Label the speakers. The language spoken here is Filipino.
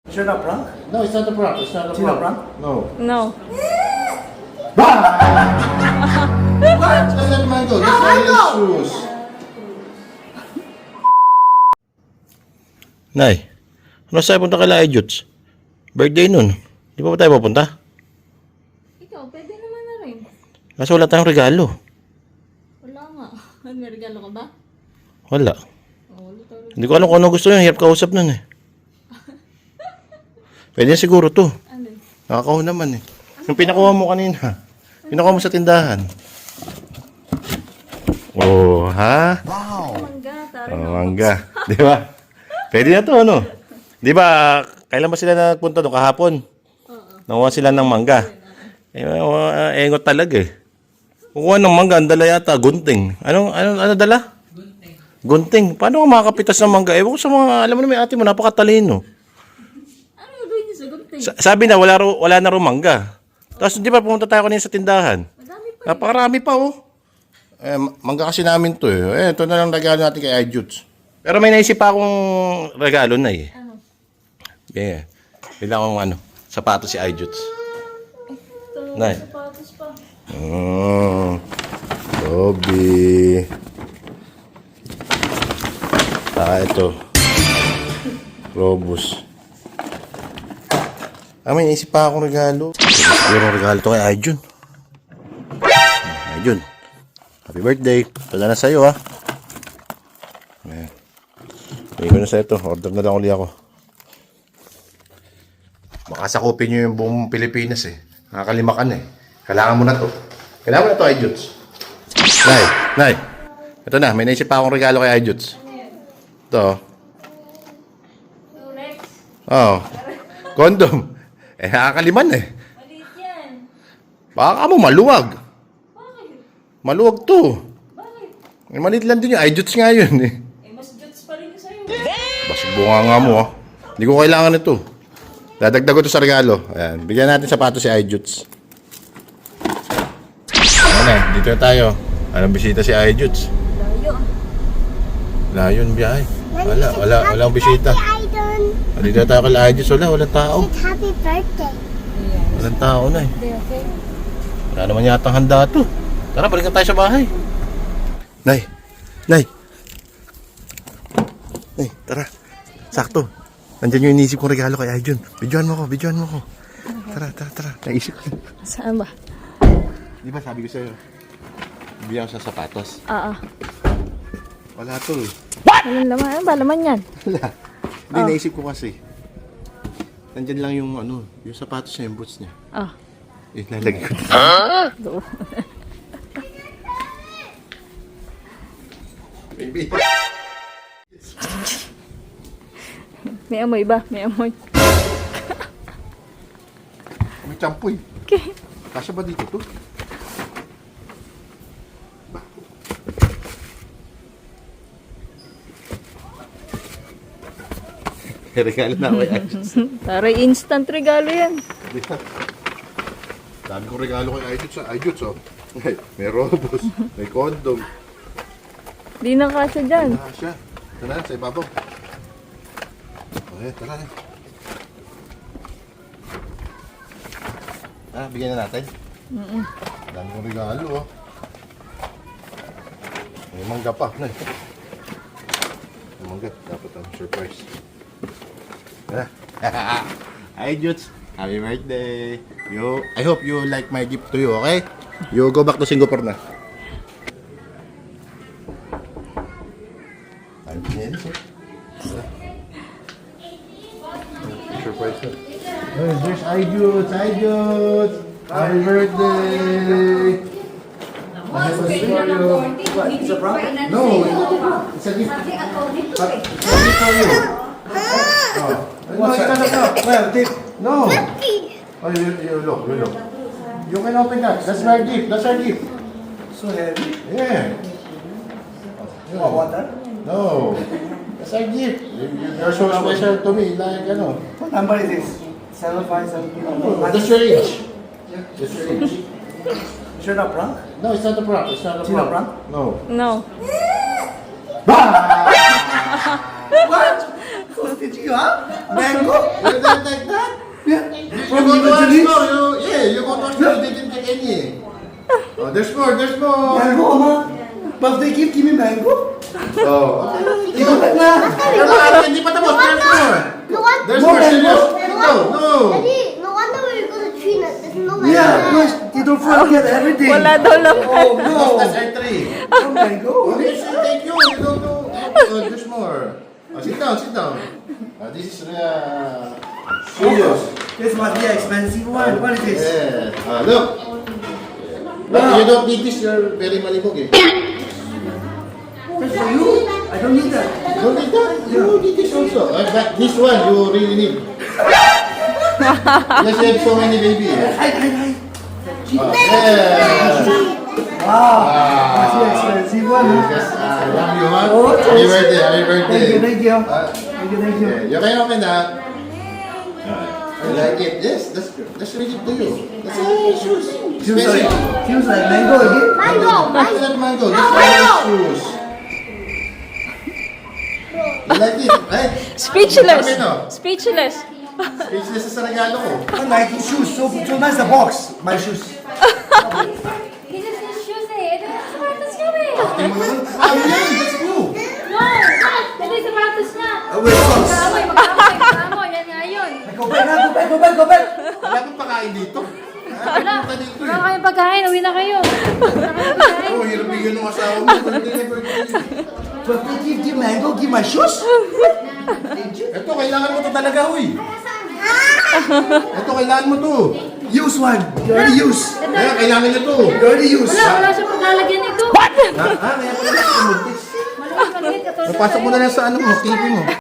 Speaker 1: Is it a prank?
Speaker 2: No, it's not a prank. It's not a
Speaker 1: It's not a
Speaker 2: prank.
Speaker 1: prank?
Speaker 2: No.
Speaker 3: No.
Speaker 2: What? That's not mango. That's my shoes.
Speaker 4: Nay, ano sa'yo punta kay Juts? Birthday nun. Di pa ba tayo pupunta?
Speaker 3: Ikaw, pwede naman na rin.
Speaker 4: Kaso wala tayong regalo.
Speaker 3: Wala nga. May regalo ka ba?
Speaker 4: Wala.
Speaker 3: Oh, wala tayo.
Speaker 4: Hindi ko alam kung ano gusto niya. Hirap kausap nun eh. Pwede na siguro to.
Speaker 3: Ano?
Speaker 4: Nakakaw naman eh. Yung pinakuha mo kanina. Pinakuha mo sa tindahan. Oh, ha?
Speaker 3: Mangga, tara na.
Speaker 4: Mangga. Di ba? Pwede na to, ano? Di ba, kailan ba sila nagpunta doon kahapon? Nakuha sila ng mangga. Engot talaga eh. Kukuha ng mangga, ang dala yata, gunting. Ano dala? Gunting. Paano ka makakapitas ng mangga? Ewan ko sa mga, alam mo na may ate mo, napakatalino.
Speaker 3: Ano gagawin niyo sa gunting?
Speaker 4: Sabi na, wala na rin mangga. Tapos di ba pumunta tayo kanina sa tindahan?
Speaker 3: Madami pa.
Speaker 4: Napakarami pa oh. Mangga kasi namin to eh. Ito na lang regalo natin kay iJutes. Pero may naisip pa akong regalo na eh.
Speaker 3: Ano?
Speaker 4: Yeah. Bila akong sapatos si iJutes.
Speaker 3: Ito,
Speaker 4: Nay.
Speaker 3: sapatos pa.
Speaker 4: Bobby. Ito. Robus. May naisip pa akong regalo. Siguro regalo to kay iJun. iJun. Happy birthday. Ito na sa'yo ha. Ayan. Bigay ko na sa'yo ito. Order na lang ulit ako. Makasakupin nyo yung buong Pilipinas eh. Nakakalima ka na eh. Kailangan mo na to. Kailangan mo na to, iJuts. Nay. Ito na. May naisip pa akong regalo kay iJuts. Ito.
Speaker 3: Durex.
Speaker 4: Oh. Condom. Nakakaliman eh.
Speaker 3: Maliit yan.
Speaker 4: Baka mo maluwag.
Speaker 3: Bakit?
Speaker 4: Maluwag to.
Speaker 3: Bakit?
Speaker 4: Maliit lang din yung iJuts nga yun eh.
Speaker 3: Mas juts pa rin yung sa'yo.
Speaker 4: Basig bunga nga mo ah. Hindi ko kailangan ito. Dadagdag ko ito sa regalo. Ayan. Bigyan natin sapatos si iJuts. Dito na tayo. Anong bisita si iJuts?
Speaker 3: Layo.
Speaker 4: Layon biyahe. Walang bisita. Dito na tayo kay iJuts. Walang tao.
Speaker 5: Happy birthday.
Speaker 4: Walang tao na eh.
Speaker 3: Okay.
Speaker 4: Wala naman yata handa to. Tara, balikan tayo sa bahay. Nay, tara. Sakto. Nandiyan yung inisip kong regalo kay iJun. Bidyoan mo ko. Tara. Naisip ko.
Speaker 3: Saan ba?
Speaker 4: Di ba sabi ko sa'yo, bigyan ko sa sapatos.
Speaker 3: Oo.
Speaker 4: Wala to eh.
Speaker 3: Walang laman. Ano ba laman yan?
Speaker 4: Wala. Hindi, naisip ko kasi. Nandiyan lang yung yung sapatos niya, yung boots niya.
Speaker 3: Ah.
Speaker 4: Nalagay ko.
Speaker 3: Doon.
Speaker 4: Baby.
Speaker 3: May amoy ba? May amoy.
Speaker 4: May champoy.
Speaker 3: Okay.
Speaker 4: Kasya ba dito to? Regalo na ako kay iJuts.
Speaker 3: Para instant regalo yan.
Speaker 4: Dami kong regalo kay iJuts oh. May robos, may condom.
Speaker 3: Di na kasya dyan.
Speaker 4: Siya. Ito na, sa ibabaw. Okay, tara na. Bigyan na natin. Dami kong regalo oh. May mangga pa. May mangga. Dapat surprise. iJuts, happy birthday. I hope you like my gift to you, okay? You go back to Singapore na. Surprise na. There's iJuts. Happy birthday.
Speaker 1: It's a prank?
Speaker 4: No, it's a gift.
Speaker 1: What's that? Well, Dick.
Speaker 4: No. Oh, you look. You can open that. That's our gift.
Speaker 1: So heavy.
Speaker 4: Yeah.
Speaker 1: Oh, water?
Speaker 4: No. That's our gift. You're so special to me. Like,
Speaker 1: What number is this? 7572.
Speaker 4: That's your age. That's your age.
Speaker 1: Is it a prank?
Speaker 4: No, it's not a prank.
Speaker 1: It's not a prank?
Speaker 4: No.
Speaker 3: No.
Speaker 1: What? Did you, huh? Mango?
Speaker 2: You don't like that?
Speaker 1: Yeah.
Speaker 2: You
Speaker 1: From
Speaker 2: go to our
Speaker 1: Evangeline?
Speaker 2: store. You go to our store. They didn't take any. Oh, there's more.
Speaker 1: Mango, ma. Birthday gift, give me mango.
Speaker 2: Oh, okay.
Speaker 1: Ikaw na.
Speaker 2: Hindi pa tapos. There's more.
Speaker 5: No wonder.
Speaker 2: There's
Speaker 1: More
Speaker 2: more.
Speaker 1: mango?
Speaker 2: Serious. No.
Speaker 5: Daddy, no wonder we're going to China. There's no mango.
Speaker 1: Yeah, because you don't forget everything.
Speaker 3: Wala daw lang.
Speaker 1: Oh, no.
Speaker 2: That's R3.
Speaker 1: No mango.
Speaker 2: Okay, so thank you. You don't know. There's more. Sit down. This is serious.
Speaker 1: This must be an expensive one. What is this?
Speaker 2: Yeah. Look. You don't need this. You're very malibog eh.
Speaker 1: That's for you. I don't need that.
Speaker 2: You don't need that. You need this also. But this one you really need. Because you have so many baby.
Speaker 1: Hi.
Speaker 2: Yeah.
Speaker 1: Wow. That's the expensive one. Huh?
Speaker 2: Yes, I love you, man.
Speaker 1: Oh,
Speaker 2: Happy birthday, happy birthday.
Speaker 1: Thank you.
Speaker 2: Uh,
Speaker 1: Thank you.
Speaker 2: Yeah, you can open that. You like it? Yes, that's good. That's really good to you. That's shoes.
Speaker 1: Feels like mango again.
Speaker 5: Mango.
Speaker 2: That's not mango. That's shoes. You like it, right?
Speaker 3: Speechless.
Speaker 2: Sabi, no?
Speaker 3: Speechless.
Speaker 2: Speechless sa regalo ko.
Speaker 1: I like his shoes. So nice the box. My shoes.
Speaker 5: This is his shoes eh. Ito yung sapatos niya eh.
Speaker 2: Tingnan mo naman. Ah, yan, that's blue.
Speaker 5: No, ito yung sapatos niya.
Speaker 1: Wait, socks.
Speaker 5: Magkamoy. Yan nga yun.
Speaker 1: Go back.
Speaker 2: Wala kang pakain dito.
Speaker 5: Wala.
Speaker 2: Punta dito
Speaker 5: Wala
Speaker 2: eh.
Speaker 5: kayong pagkain. Uwi na kayo.
Speaker 2: Oh, hirap bigyan ng asawa mo. Birthday na birthday.
Speaker 1: Birthday gift, give mango, give my shoes.
Speaker 2: Ito, kailangan mo to talaga, huy. Ito, kailangan mo to.
Speaker 1: Use one. You already use.
Speaker 2: Kaya, kailangan nyo to.
Speaker 1: You already use.
Speaker 5: Wala siyang paglalagyan nito.
Speaker 2: Ha? Kaya pala natin muntis.
Speaker 5: Maliit.
Speaker 2: Napasok mo na lang sa ano mo, TV mo.